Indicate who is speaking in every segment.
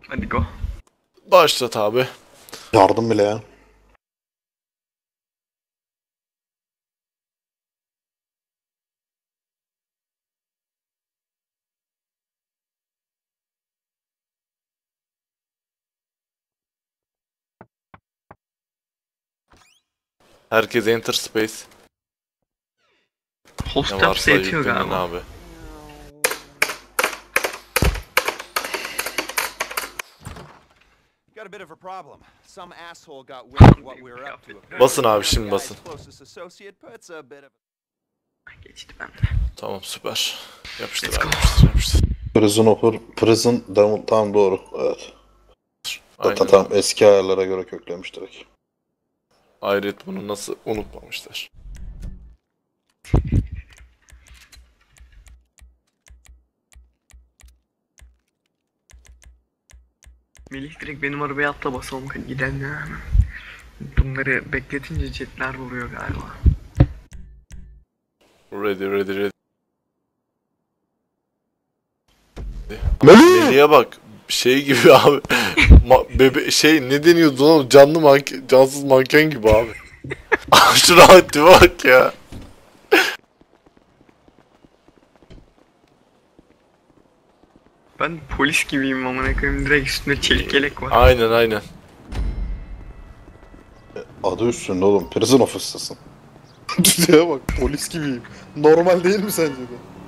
Speaker 1: Hadi go.
Speaker 2: Başlat abi.
Speaker 3: Yardım bile ya.
Speaker 2: Herkes enter space.
Speaker 1: Host
Speaker 2: Ne
Speaker 1: yapsa
Speaker 2: varsa
Speaker 1: yetiyor
Speaker 2: yüklenin
Speaker 1: galiba.
Speaker 2: abi.
Speaker 4: Got a bit of a problem. Some asshole got wind of what we were up to.
Speaker 2: Basın abi, şimdi basın.
Speaker 4: Closest associate puts a bit of
Speaker 1: Geçti bende.
Speaker 2: Tamam, süper. Yapıştır
Speaker 1: Let's
Speaker 2: abi,
Speaker 1: go.
Speaker 2: yapıştır.
Speaker 3: Prison tam doğru. Evet.
Speaker 2: Aynen
Speaker 3: Tam
Speaker 2: abi.
Speaker 3: eski ayarlara göre köklemiş direkt.
Speaker 2: Hayret, bunu nasıl unutmamışlar.
Speaker 1: Melih direkt benim arabaya atla basalım gidelim ya hemen. Bunları bekletince jetler vuruyor galiba.
Speaker 2: Ready.
Speaker 3: Melih!
Speaker 2: Melih'e bak. Şey gibi abi. Ne deniyordu lan? Canlı manken, cansız manken gibi abi. Şuna bak ya.
Speaker 1: Ben polis gibiyim amına koyayım, direkt üstünde çelik yelek var.
Speaker 2: Aynen.
Speaker 3: Adı üstünde oğlum. Prison office'tasın. Düzeye bak. Polis gibiyim. Normal değil mi sence de?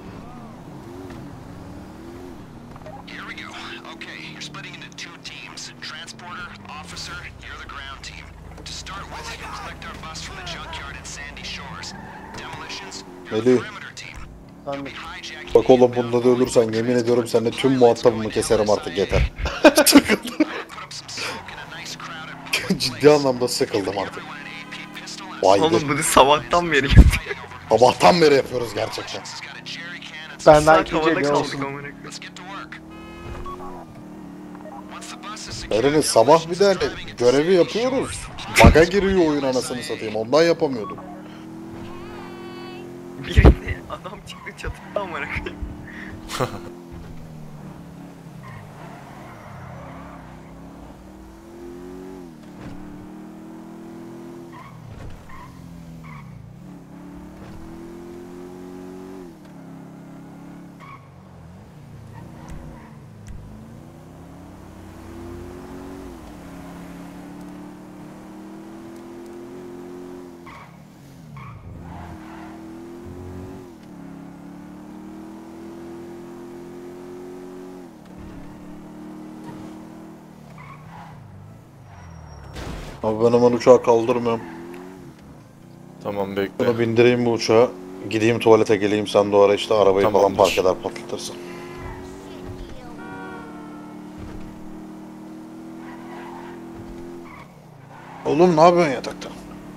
Speaker 5: Here we go. Okay, you're splitting into two teams. Transporter, officer, you're the ground team. To start with, you'll collect our bus from the junkyard at Sandy Shores. Demolitions, you're the
Speaker 3: Melih.
Speaker 5: perimeter team.
Speaker 3: Sen
Speaker 5: Be hijacking
Speaker 3: bak oğlum, bunda da ölürsen yemin ediyorum seninle tüm muhatabımı keserim artık, yeter.
Speaker 5: put up some smoke in a nice crowded
Speaker 3: Ciddi anlamda sıkıldım artık.
Speaker 5: everyone an AP pistol and
Speaker 3: Vay be.
Speaker 1: Oğlum bunu sabahtan beri yapıyor.
Speaker 3: Sabahtan beri yapıyoruz gerçekten.
Speaker 5: has got a jerry can and
Speaker 6: Ben
Speaker 1: Saat
Speaker 6: belki
Speaker 1: havada
Speaker 6: gece
Speaker 1: kaldık
Speaker 6: olsun.
Speaker 1: amına koyayım.
Speaker 5: let's get to work. Once the bus is secured,
Speaker 3: Eren'in sabah bir de hani görevi yapıyoruz. Baga giriyor oyun, anasını satayım. Ondan yapamıyordum.
Speaker 1: Birinde adam çıktı çatıda amına koyayım.
Speaker 3: Abi ben hemen uçağı kaldırmıyorum.
Speaker 2: Tamam, bekle.
Speaker 3: Bunu bindireyim bu uçağa. Gideyim tuvalete geleyim, sen de o ara işte arabayı falan
Speaker 2: Tamamdır.
Speaker 3: park eder patlatırsın. Oğlum ne yapıyorsun yatakta?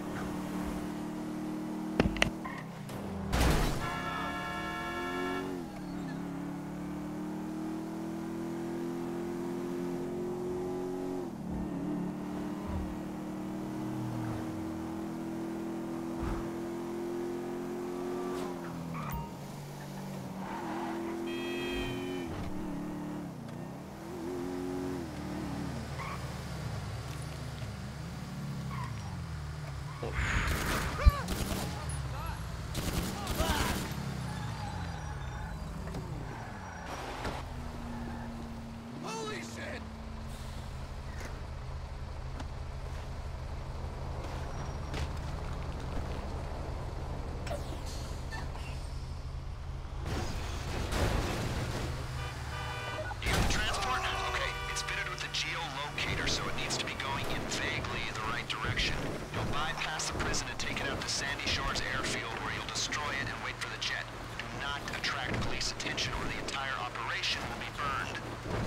Speaker 5: You have the transport? Okay, it's fitted with a geolocator, so it needs to be going in vaguely the right direction. You'll bypass the prison and take it out to Sandy Shores Airfield, where you'll destroy it and wait for the jet. Do not attract police attention, or the entire operation will be burned.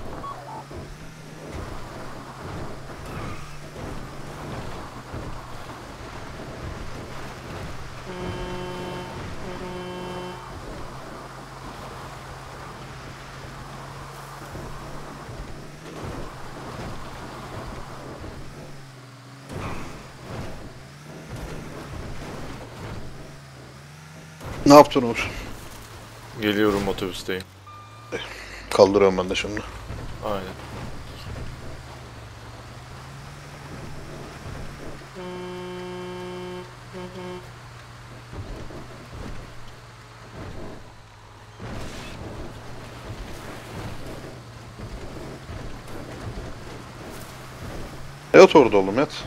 Speaker 3: Ne yaptın Uğur?
Speaker 2: Geliyorum, otobüsteyim.
Speaker 3: Kaldırıyorum ben de şimdi.
Speaker 2: Aynen.
Speaker 3: Yat orada oğlum yat.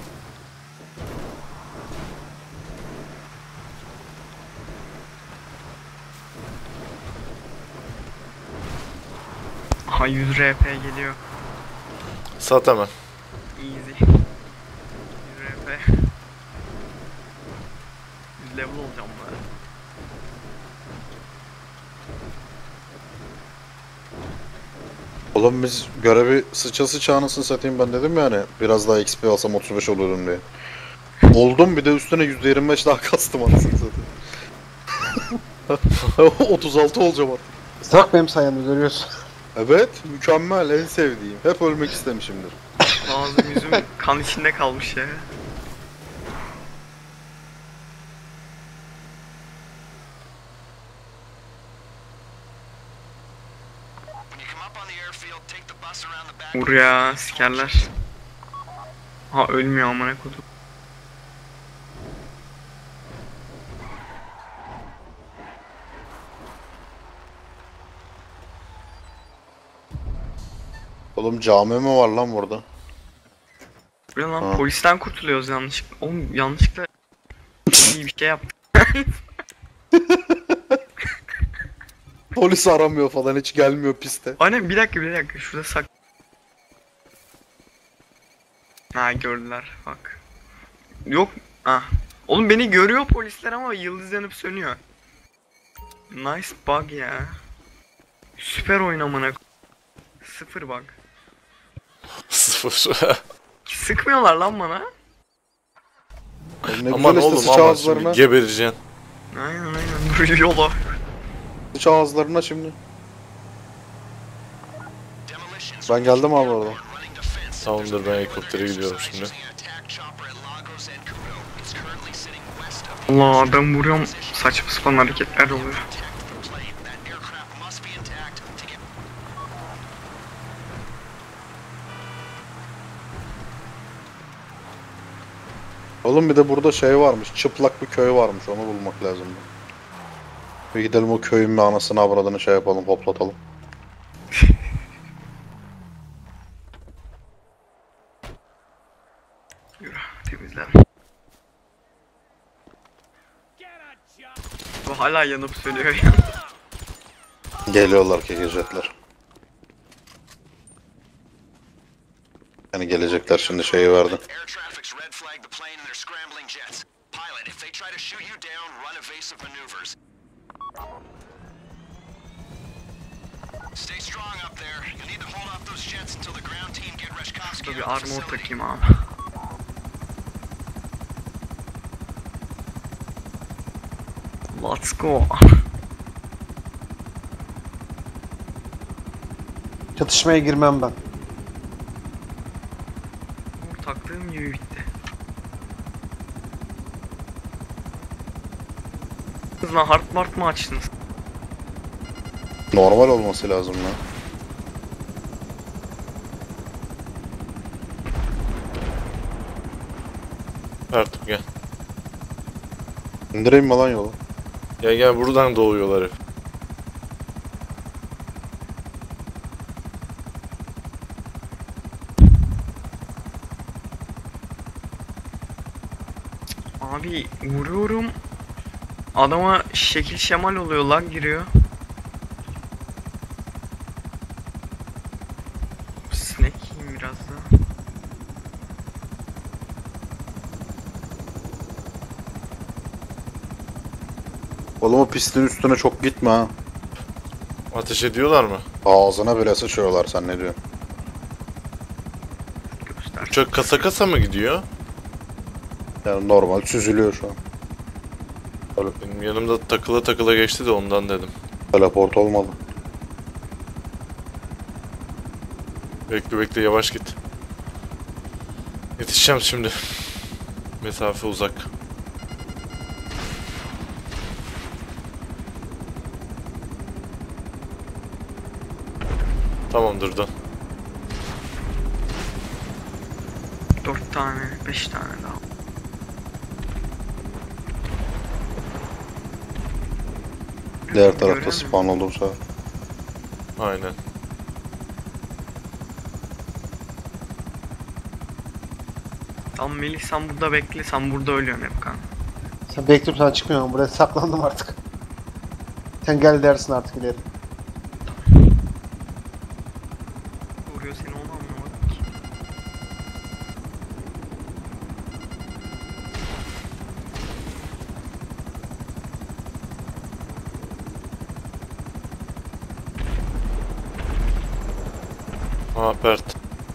Speaker 1: Aha 100 RP geliyor.
Speaker 2: Sat hemen.
Speaker 1: Easy. 100 RP. 100 level olacağım bari.
Speaker 3: Oğlum biz görevi sıça anasını satayım ben dedim yani biraz daha XP alsam 35 olurdum diye. Oldum bir de üstüne %25 daha kastım anasını satayım. 36 olacağım artık.
Speaker 6: Bak benim sayemde görüyorsun.
Speaker 3: Evet mükemmel en sevdiğim. Hep ölmek istemişimdir.
Speaker 1: Ağzım yüzüm kan içinde kalmış ya.
Speaker 5: When you come up on the airfield, take the bus around the back.
Speaker 1: Vur ya sikerler. Ha ölmüyor amına kodum.
Speaker 3: Oğlum cami mi var lan burada?
Speaker 1: Bu ne lan
Speaker 3: Ha.
Speaker 1: polisten kurtuluyoruz yanlışlıkla. Oğlum yanlışlıkla iyi bir şey yaptık.
Speaker 3: Polis aramıyor falan hiç gelmiyor piste.
Speaker 1: Aynen bir dakika şurada sak. Ha gördüler bak. Yok ah. Oğlum beni görüyor polisler ama yıldız yanıp sönüyor. Nice bug ya. Süper oyun amına. Sıfır bug.
Speaker 2: 0.
Speaker 1: Sıkmıyorlar lan bana.
Speaker 3: Oğlum ne
Speaker 2: Aman
Speaker 3: güzel işte
Speaker 2: oğlum
Speaker 3: sıç
Speaker 2: ama
Speaker 3: ağızlarına.
Speaker 2: şimdi gebereceksin.
Speaker 1: Aynen dur yola.
Speaker 3: Sıç ağızlarına şimdi.
Speaker 5: Demolitions
Speaker 3: Ben geldim abi orada.
Speaker 5: running defense.
Speaker 2: Tamamdır ben helikoptere gidiyorum şimdi.
Speaker 5: Using an attack chopper at Lagos and Kudo. It's currently sitting west of the
Speaker 1: Allah adam vuruyorum saçma sapan hareketler oluyor.
Speaker 5: protect the plane. That aircraft must be intact to get.
Speaker 3: Oğlum bir de burada şey varmış. Çıplak bir köy varmış. Onu bulmak lazım. Bir gidelim o köyün bir anasını avradını şey yapalım hoplatalım.
Speaker 1: Yürü temizler. Bu hala yanıp sönüyor ya.
Speaker 3: Geliyorlar kekecekler. Yani gelecekler şimdi şeyi verdi.
Speaker 5: Air traffic's red flagged the plane and they're scrambling jets. Pilot, if they try to shoot you down, run evasive maneuvers. Stay strong up there. You'll need to hold off those jets until the ground team get Reshkovsky
Speaker 1: Dur
Speaker 5: out
Speaker 1: bir
Speaker 5: of the
Speaker 1: armor
Speaker 5: facility.
Speaker 1: takayım abi. Let's go.
Speaker 6: Çatışmaya girmem ben.
Speaker 1: Taktığım gibi bitti. Kız lan hard mart mı açtınız?
Speaker 3: Normal olması lazım lan.
Speaker 2: Artık gel.
Speaker 3: İndireyim mi lan yolu?
Speaker 2: Gel buradan doğuyorlar hep.
Speaker 1: Abi vuruyorum. Adama şekil şemal oluyor lag giriyor. Snack yiyeyim biraz daha.
Speaker 3: Oğlum o pistin üstüne çok gitme ha.
Speaker 2: Ateş ediyorlar mı?
Speaker 3: Ağzına bile sıçıyorlar sen ne diyorsun?
Speaker 1: Göster.
Speaker 2: Uçak kasa kasa mı gidiyor?
Speaker 3: Yani normal süzülüyor şu an.
Speaker 2: Benim yanımda takıla takıla geçti de ondan dedim.
Speaker 3: Teleport olmadı.
Speaker 2: Bekle yavaş git. Yetişeceğim şimdi. Mesafe uzak. Tamamdır da.
Speaker 1: 4 tane, 5 tane daha.
Speaker 3: Diğer tarafta
Speaker 1: Görüyor musun?
Speaker 3: spawn oldu bu sefer.
Speaker 2: Aynen.
Speaker 1: Tamam Melih sen burada bekle, sen burada ölüyorsun hep kan.
Speaker 6: Sen bekliyorum, sana çıkmıyorum. Buraya saklandım artık. Sen gel dersin artık ileri.
Speaker 1: Vuruyor seni, onu anlamadım ki.
Speaker 2: Ha Bert.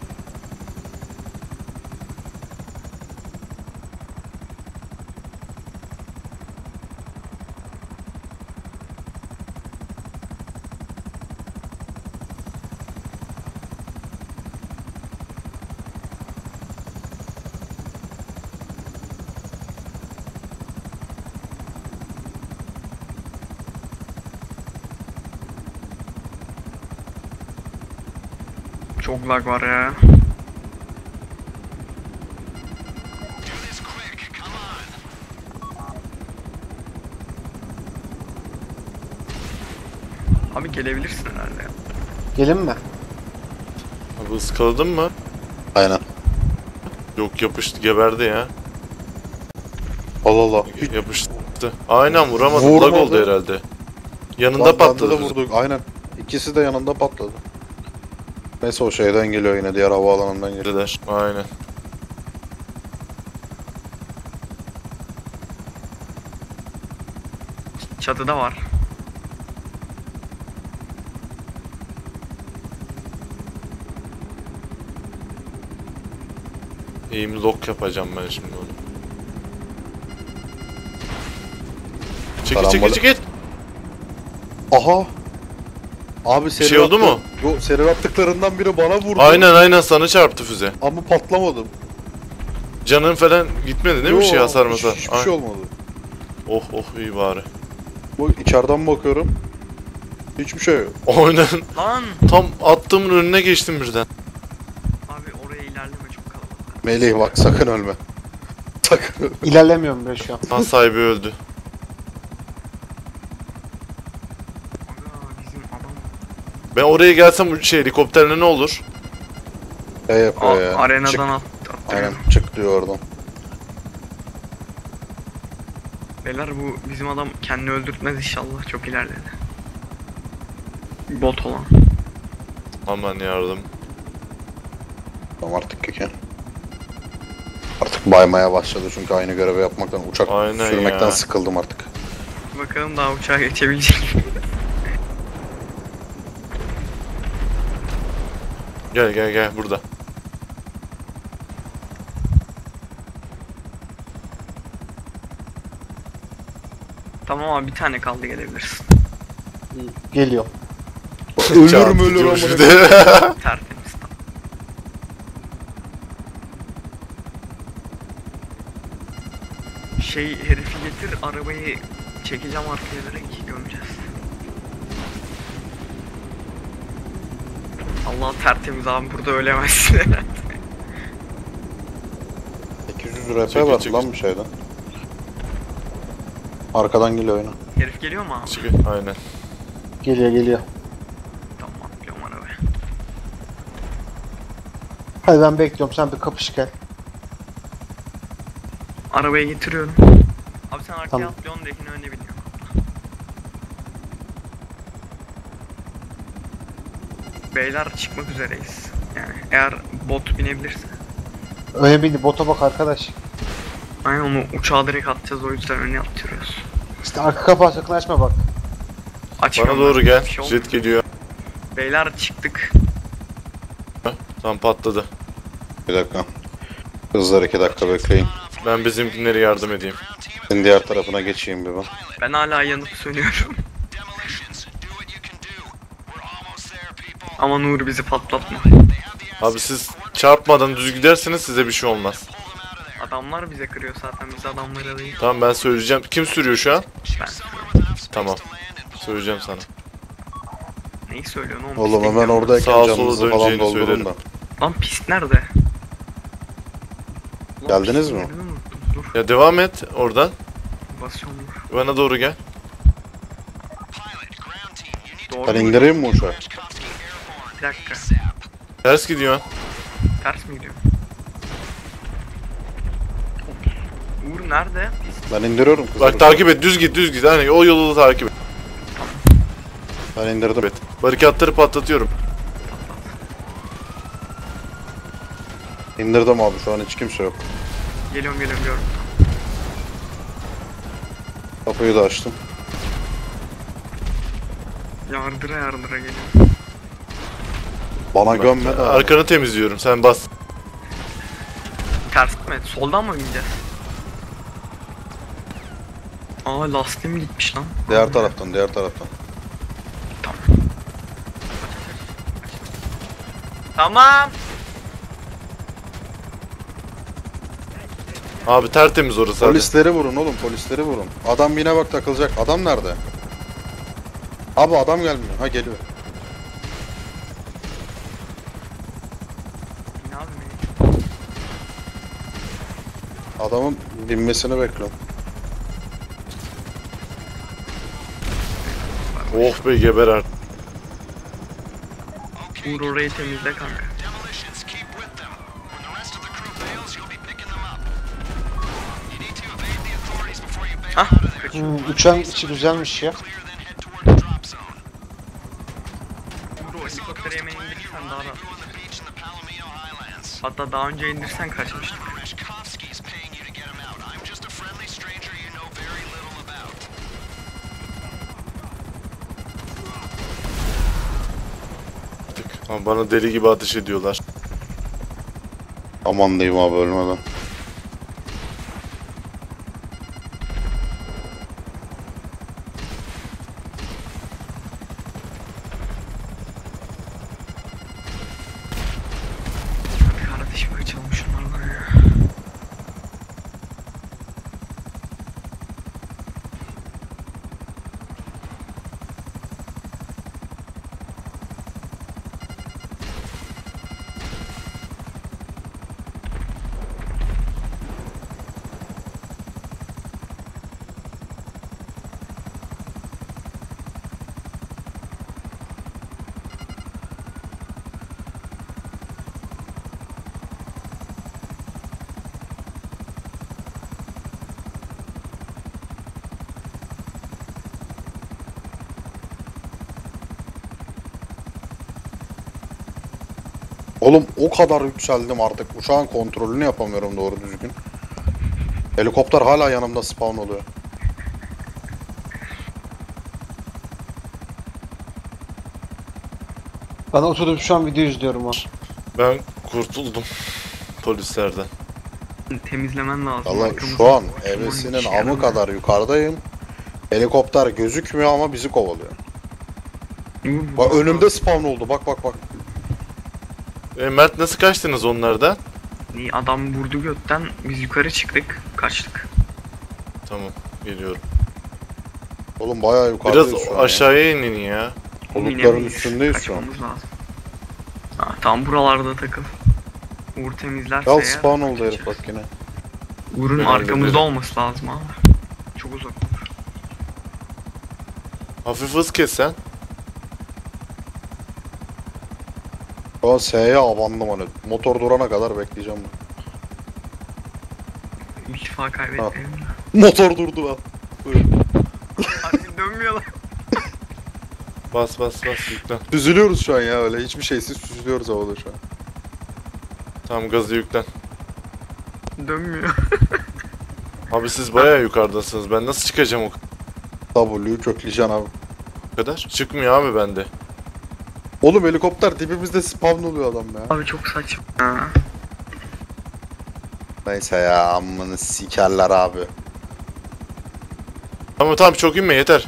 Speaker 1: Çok lag var ya.
Speaker 5: Do this quick. Come on.
Speaker 1: Abi gelebilirsin herhalde ya.
Speaker 6: Gelin mi?
Speaker 2: Abi ıskaladın mı?
Speaker 3: Aynen.
Speaker 2: Yok yapıştı, geberdi ya.
Speaker 3: Allah Allah.
Speaker 2: Yapıştı. Aynen vuramadım.
Speaker 3: Vurmadı.
Speaker 2: Lag oldu herhalde. Yanında
Speaker 3: Lan bende
Speaker 2: patladı.
Speaker 3: de vurduk. Aynen. İkisi de yanında patladı. Neyse o şeyden geliyor yine, diğer havaalanından geliyor.
Speaker 2: bizimkiler. Aynen.
Speaker 1: Çatıda var.
Speaker 2: Aim lock yapacağım ben şimdi onu. Çekil çekil
Speaker 3: Karambol-
Speaker 2: çekil.
Speaker 3: Aha. Abi seri
Speaker 2: şey oldu
Speaker 3: attı.
Speaker 2: mu?
Speaker 3: Yo, seri attıklarından biri bana vurdu.
Speaker 2: Aynen sana çarptı füze.
Speaker 3: Ama patlamadım.
Speaker 2: Canın falan gitmedi değil mi, bir şey hasar
Speaker 3: hiç,
Speaker 2: masar?
Speaker 3: hiçbir şey olmadı.
Speaker 2: Oh iyi bari.
Speaker 3: Bu içeriden bakıyorum. Hiçbir şey yok.
Speaker 2: Aynen.
Speaker 1: Lan!
Speaker 2: Tam attığımın önüne geçtim birden.
Speaker 1: Abi oraya ilerleme, çok kalabalık.
Speaker 3: Melih bak sakın ölme. Sakın ölme.
Speaker 6: İlerlemiyorum ben şu an.
Speaker 2: Ha sahibi öldü.
Speaker 1: Aga bizim adam.
Speaker 2: Ben oraya gelsem bu şey helikopterle ne olur?
Speaker 3: Şey yapıyor ya.
Speaker 1: Arenadan
Speaker 3: Çık.
Speaker 1: attırıyor.
Speaker 3: Aynen çık diyor oradan.
Speaker 1: Beyler bu bizim adam kendini öldürtmez inşallah, çok ilerledi. Bot olan.
Speaker 2: Aman yardım.
Speaker 3: Tamam artık keke. Artık baymaya başladı çünkü aynı görevi yapmaktan, uçak
Speaker 2: Aynen
Speaker 3: sürmekten
Speaker 2: ya.
Speaker 3: sıkıldım artık.
Speaker 1: Bakalım daha uçağa geçebilecek mi?
Speaker 2: Gel burada.
Speaker 1: Tamam abi, bir tane kaldı, gelebilirsin.
Speaker 6: Geliyor.
Speaker 3: Ölürüm ölür
Speaker 2: Diyormuş
Speaker 3: ama.
Speaker 2: bir de.
Speaker 1: Tertemiz tam. Şey, herifi getir, arabayı çekeceğim arkaya, direkt gömeceğiz. Allah tertemiz abi, burada ölemezsin herhalde.
Speaker 3: 800 RP
Speaker 2: Çekil,
Speaker 3: var
Speaker 2: çekil.
Speaker 3: lan bir şeyden. Arkadan geliyor oyuna.
Speaker 1: Herif geliyor mu abi?
Speaker 2: Çekil. Aynen.
Speaker 6: Geliyor.
Speaker 1: Tamam, atlıyorum arabaya.
Speaker 6: Hadi ben bekliyorum, sen bir kapış gel.
Speaker 1: Arabaya getiriyorum. Abi sen arkaya
Speaker 6: Tamam.
Speaker 1: atlıyorsun, dekini önüne biniyorum. Beyler çıkmak üzereyiz. Yani eğer bot binebilirse.
Speaker 6: Öne bindi, bota bak arkadaş.
Speaker 1: Aynen, onu uçağa direkt atacağız, o yüzden önüne atıyoruz.
Speaker 6: İşte arka kapağı sakın açma bak.
Speaker 1: Açmıyorum
Speaker 2: Bana doğru
Speaker 1: ben,
Speaker 2: gel.
Speaker 1: bir şey olmuyor.
Speaker 2: Jet geliyor.
Speaker 1: Beyler çıktık.
Speaker 2: Tam patladı.
Speaker 3: Bir dakika. Kızlar 2 dakika bekleyin.
Speaker 2: Ben bizimkinlere yardım edeyim.
Speaker 3: Ben diğer tarafına geçeyim bir ben.
Speaker 1: Ben hala yanıp sönüyorum.
Speaker 5: Demolitions. Do what you can do. We're almost there, people.
Speaker 1: Ama Nur bizi patlatma.
Speaker 2: Abi siz çarpmadan düz giderseniz size bir şey olmaz.
Speaker 1: Adamlar bize kırıyor zaten, biz adamlara değil.
Speaker 2: Tamam ben söyleyeceğim. Kim sürüyor şu an?
Speaker 1: Ben
Speaker 2: Tamam. Söyleyeceğim sana.
Speaker 1: neyi söylüyorsun oğlum?
Speaker 3: Oğlum
Speaker 1: Pist
Speaker 3: hemen
Speaker 1: ekliyorum.
Speaker 3: oradayken
Speaker 2: Sağa sola
Speaker 3: canınızı falan
Speaker 2: döneceğini
Speaker 3: doldurun
Speaker 2: söylerim.
Speaker 3: da.
Speaker 1: Lan pist nerede? Ulan
Speaker 3: Geldiniz
Speaker 1: pistin
Speaker 3: mi?
Speaker 1: yerini unuttum. Dur,
Speaker 2: Ya devam et oradan.
Speaker 1: basıyorum dur.
Speaker 2: Bana doğru gel.
Speaker 1: Doğru
Speaker 3: Ben
Speaker 1: mu?
Speaker 3: indireyim mi uçağı?
Speaker 1: Bir dakika.
Speaker 2: Ters gidiyor.
Speaker 1: Ters mi gidiyor? Uğur nerede?
Speaker 3: Ben indiriyorum kızı.
Speaker 2: Bak takip et, düz git, düz git. Hani o yolu da takip et.
Speaker 3: Ben indirdim.
Speaker 2: Evet. Barikatları patlatıyorum.
Speaker 3: İndirdim abi, şu an hiç kimse yok.
Speaker 1: Geliyorum gördüm.
Speaker 3: Kapıyı da açtım.
Speaker 1: Yardıra geliyorum.
Speaker 3: Bana gömme de abi.
Speaker 2: Arkanı temizliyorum, sen bas.
Speaker 1: Ters mi? Soldan mı bineceğiz? Aa lastiğim gitmiş lan.
Speaker 3: Diğer taraftan.
Speaker 1: Tamam.
Speaker 2: Abi tertemiz orası hadi.
Speaker 3: Polisleri vurun oğlum, polisleri vurun. Adam yine bak takılacak. Adam nerede? Abi adam gelmiyor. Ha geliyor.
Speaker 1: Ne abi beni?
Speaker 3: Adamın binmesini bekliyorum.
Speaker 2: Oh be geber artık.
Speaker 1: Uğur orayı temizle kanka.
Speaker 5: Demolitions, keep with them. When the rest of the crew bails, you'll be picking them up. You need to evade the authorities before you bail
Speaker 1: Ah
Speaker 5: out of there.
Speaker 6: Uçağın içi güzelmiş ya.
Speaker 5: Clear, then head toward the drop zone.
Speaker 1: Uğur o helikopteri hemen indirirsen daha da.
Speaker 5: On the beach in the Palomino Highlands.
Speaker 1: Hatta daha önce indirsen kaçmıştık.
Speaker 5: Reshkovsky's paying you to get him out. I'm just a friendly stranger you know very little about.
Speaker 2: Ama bana deli gibi ateş ediyorlar.
Speaker 3: Aman diyeyim abi, ölmeden.
Speaker 1: Kardeşim kaçalım şunlardan ya.
Speaker 3: Oğlum o kadar yükseldim artık. Uçağın kontrolünü yapamıyorum doğru düzgün. Helikopter hala yanımda spawn oluyor.
Speaker 6: Ben oturdum şu an video izliyorum ha.
Speaker 2: Ben kurtuldum polislerden.
Speaker 1: Temizlemen lazım.
Speaker 3: Vallahi
Speaker 1: arkamızda.
Speaker 3: şu an
Speaker 1: Şu
Speaker 3: evesinin
Speaker 1: işe
Speaker 3: amı
Speaker 1: yaramıyor.
Speaker 3: kadar yukarıdayım. Helikopter gözükmüyor ama bizi kovalıyor.
Speaker 1: Uğur,
Speaker 3: Bak
Speaker 1: bu-
Speaker 3: önümde spawn oldu. Bak.
Speaker 2: Mert nasıl kaçtınız onlardan?
Speaker 1: İyi, adam vurdu götten biz yukarı çıktık kaçtık.
Speaker 2: Tamam, geliyorum.
Speaker 3: Oğlum bayağı yukarıdayız
Speaker 2: Biraz
Speaker 3: şu an ya.
Speaker 2: aşağıya inin ya.
Speaker 3: Bulutların
Speaker 1: İnemeyiz,
Speaker 3: üstündeyiz şu an.
Speaker 1: kaçmamız lazım. Ha, tam buralarda takıl. Uğur temizlerse
Speaker 3: Al
Speaker 1: eğer
Speaker 3: spawn oldu
Speaker 1: kaçacağız.
Speaker 3: herif bak yine.
Speaker 1: Uğur'un
Speaker 2: Ben
Speaker 1: arkamızda
Speaker 2: hallederim.
Speaker 1: olması lazım abi. Çok uzak olur.
Speaker 2: Hafif hız kes sen.
Speaker 3: Şu an S'ye abandım hani. Motor durana kadar bekleyeceğim ben.
Speaker 1: Bir şifa kaybetmeyelim de.
Speaker 3: Motor durdu lan.
Speaker 1: Abi dönmüyor lan.
Speaker 2: Bas yüklen.
Speaker 3: Süzülüyoruz şu an ya öyle. Hiçbir şeysiz süzülüyoruz havada şu an.
Speaker 2: Tamam gazı yüklen.
Speaker 1: Dönmüyor.
Speaker 2: Abi siz bayağı yukarıdasınız. Ben nasıl çıkacağım o
Speaker 3: W'yu kökleyeceksin abi.
Speaker 2: kadar? Çıkmıyor abi bende.
Speaker 3: Oğlum helikopter dibimizde spawn oluyor adam ya.
Speaker 1: Abi çok saçma. Ha.
Speaker 3: Neyse ya amını sikerler abi.
Speaker 2: Tamam çok inme yeter.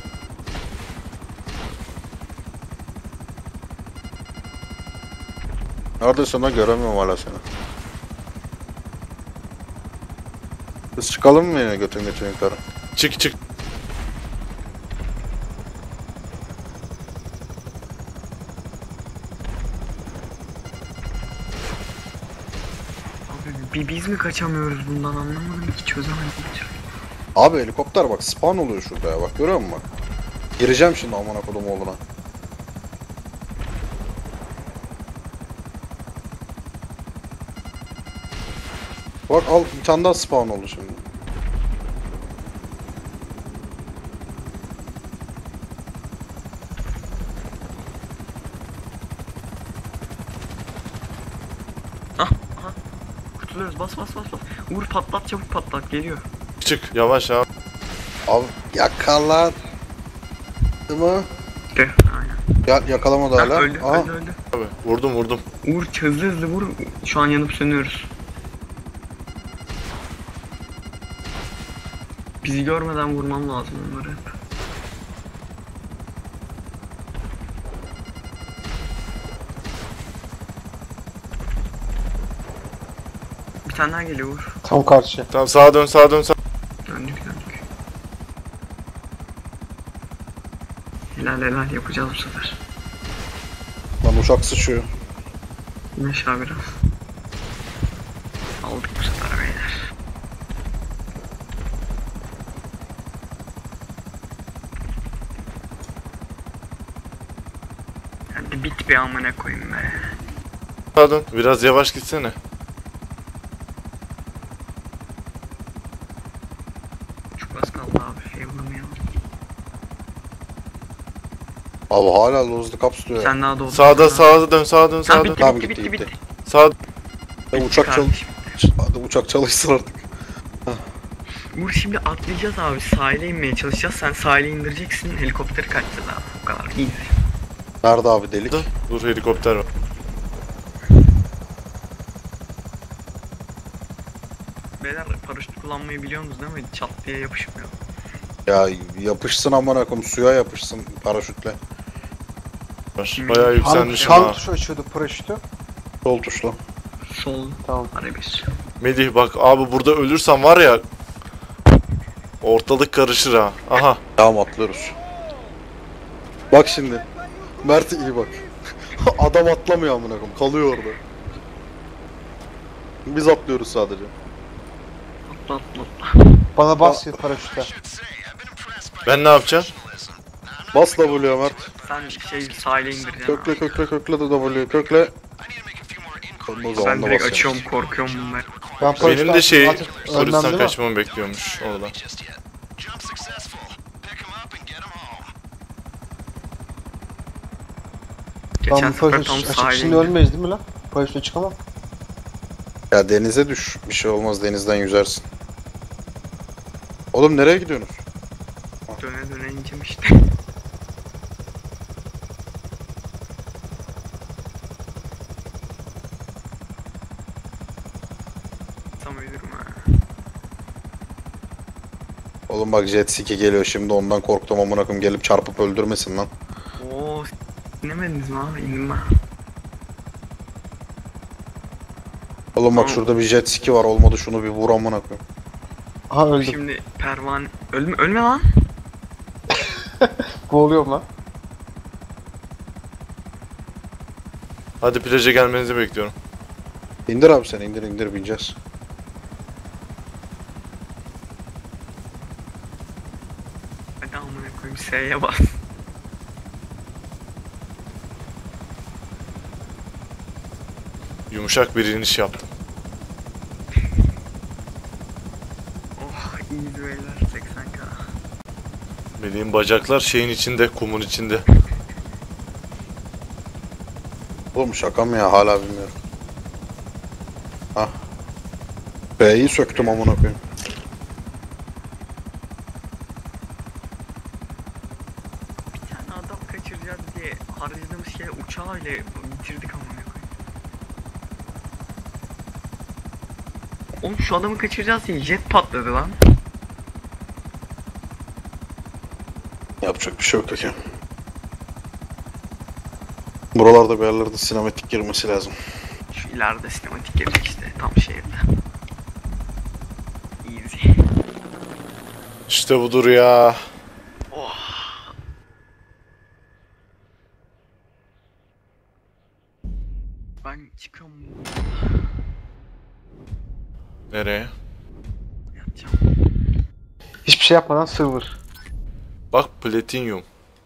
Speaker 3: Neredesin lan, göremiyorum hala seni. Biz çıkalım mı yine götün yukarı?
Speaker 2: Çık.
Speaker 1: Abi biz mi kaçamıyoruz bundan anlamadım ki çözemedim.
Speaker 3: Abi helikopter bak spawn oluyor şurada ya, bak görüyor musun bak. Gireceğim şimdi amına kodum oğluna. Bak al bir tane daha spawn oldu şimdi.
Speaker 1: Aha. Kurtuluyoruz. Bas. Uğur patlat, çabuk patlat. Geliyor.
Speaker 2: Çık yavaş abi.
Speaker 3: Abi yakalar. Değil mi?
Speaker 1: Gel. Aynen.
Speaker 3: Ya yakalamadı
Speaker 1: Ha,
Speaker 3: hala.
Speaker 1: öldü.
Speaker 3: Aha.
Speaker 2: Abi vurdum.
Speaker 1: Uğur hızlı vur. Şu an yanıp sönüyoruz. Bizi görmeden vurmam lazım onları hep. Bir tane daha geliyor Uğur.
Speaker 6: Tam karşı.
Speaker 2: Tamam sağa dön.
Speaker 1: Döndük. Helal yapacağız bu sefer.
Speaker 3: Lan uçak sıçıyor.
Speaker 1: Yine aşağı biraz. Aldık bu sefer beyler. Hadi bit bir amına koyayım be.
Speaker 2: Sağa dön. Biraz yavaş gitsene.
Speaker 1: Çok az kaldı abi, şey vuramayalım.
Speaker 3: Abi hala lozlu kapsülüyor.
Speaker 1: Sen daha doğdun.
Speaker 2: Sağa dön.
Speaker 1: Ha, bitti,
Speaker 3: Tamam,
Speaker 1: bitti.
Speaker 3: gitti.
Speaker 2: Sağ
Speaker 3: Ya uçak çalış.
Speaker 1: Kardeşim.
Speaker 3: Hadi uçak çalışsın artık.
Speaker 1: Uğur şimdi atlayacağız abi, sahile inmeye çalışacağız. Sen sahile indireceksin, helikopteri kaçacağız abi. Bu kadar iyi.
Speaker 3: Nerede abi delik?
Speaker 2: Dur helikopter var.
Speaker 1: Beyler paraşüt kullanmayı biliyorsunuz değil mi? Çat diye yapışmıyor.
Speaker 3: Ya yapışsın amına koyayım, suya yapışsın paraşütle.
Speaker 2: Bayağı yükselmişim
Speaker 6: Hangi
Speaker 2: ha.
Speaker 6: tuş açıyordu paraşütü?
Speaker 3: Sol tuşla.
Speaker 1: Sol
Speaker 6: Tamam.
Speaker 1: arabes.
Speaker 2: Melih bak abi burada ölürsen var ya ortalık karışır ha. Aha.
Speaker 3: Tamam atlıyoruz. Bak şimdi. Mert iyi bak. Adam atlamıyor amına koyayım, kalıyor orada. Biz atlıyoruz sadece.
Speaker 1: Atla.
Speaker 6: Bana bas paraşütte.
Speaker 2: Ben ne yapacağım?
Speaker 3: Bas W'ye Mert.
Speaker 1: Sen şey sahile indireceksin abi.
Speaker 3: Kökle de W'ye kökle. O zaman
Speaker 1: Ben
Speaker 3: da
Speaker 1: direkt
Speaker 3: basacağım.
Speaker 1: açıyorum, korkuyorum bunlar.
Speaker 6: Ben
Speaker 2: Benim de şey
Speaker 6: artık ölmem
Speaker 2: polisten
Speaker 6: değil mi?
Speaker 2: kaçmamı bekliyormuş orada.
Speaker 5: Just yet. Jump successful. Pick 'em up and get 'em home.
Speaker 1: Geçen
Speaker 6: Ben
Speaker 1: sefer tam
Speaker 6: paraşüt açık
Speaker 1: sahile
Speaker 6: şimdi
Speaker 1: indim.
Speaker 6: ölmeyiz değil mi lan? Paraşütle çıkamam.
Speaker 3: Ya denize düş. Bir şey olmaz, denizden yüzersin. Oğlum nereye gidiyorsunuz?
Speaker 1: Döne ineceğim işte. Tam ölürüm ha.
Speaker 3: Oğlum bak jet ski geliyor şimdi, ondan korktum amına koyayım, gelip çarpıp öldürmesin lan.
Speaker 1: Oo, inemediniz mi abi? İndim ben.
Speaker 3: Oğlum bak
Speaker 1: Tamam.
Speaker 3: şurada bir jet ski var, olmadı şunu bir vur amına koyayım.
Speaker 6: Aha öldüm.
Speaker 1: Şimdi pervane... Ölme lan.
Speaker 6: Boğuluyorum lan.
Speaker 2: Hadi plaja gelmenizi bekliyorum.
Speaker 3: İndir abi sen, indir bineceğiz.
Speaker 1: Hadi amına koyayım, S'ye bas.
Speaker 2: Yumuşak bir iniş yaptım.
Speaker 1: Oh, iyi beyler, 80k.
Speaker 2: Melih'in bacaklar şeyin içinde, kumun içinde.
Speaker 3: Oğlum şaka mı ya, hala bilmiyorum. Hah. B'yi söktüm amına koyayım.
Speaker 1: Bir tane adam kaçıracağız diye harcadığımız şey uçağı ile bitirdik amına koyayım. Oğlum şu adamı kaçıracağız diye jet patladı lan.
Speaker 3: Yapacak bir şey yok ya. Buralarda bir yerlerde sinematik girmesi lazım.
Speaker 1: Şu ileride sinematik gelecek işte tam şehirde. Easy.
Speaker 2: İşte budur ya.
Speaker 1: Oh. Ben çıkıyorum.
Speaker 2: Nereye?
Speaker 1: Yatacağım.
Speaker 6: Hiçbir şey yapmadan server.
Speaker 2: Bak platinyum.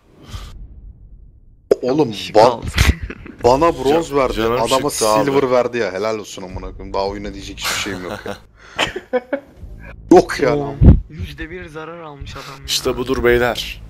Speaker 3: Oğlum
Speaker 1: Işık aldı.
Speaker 3: bana bronz verdi,
Speaker 2: canım
Speaker 3: adama
Speaker 2: çıktı abi.
Speaker 3: silver verdi ya, helal olsun amına koyayım. Daha oyuna diyecek hiçbir şeyim yok ya. Yok yani.
Speaker 1: %1 zarar almış adam ya.
Speaker 2: İşte budur beyler.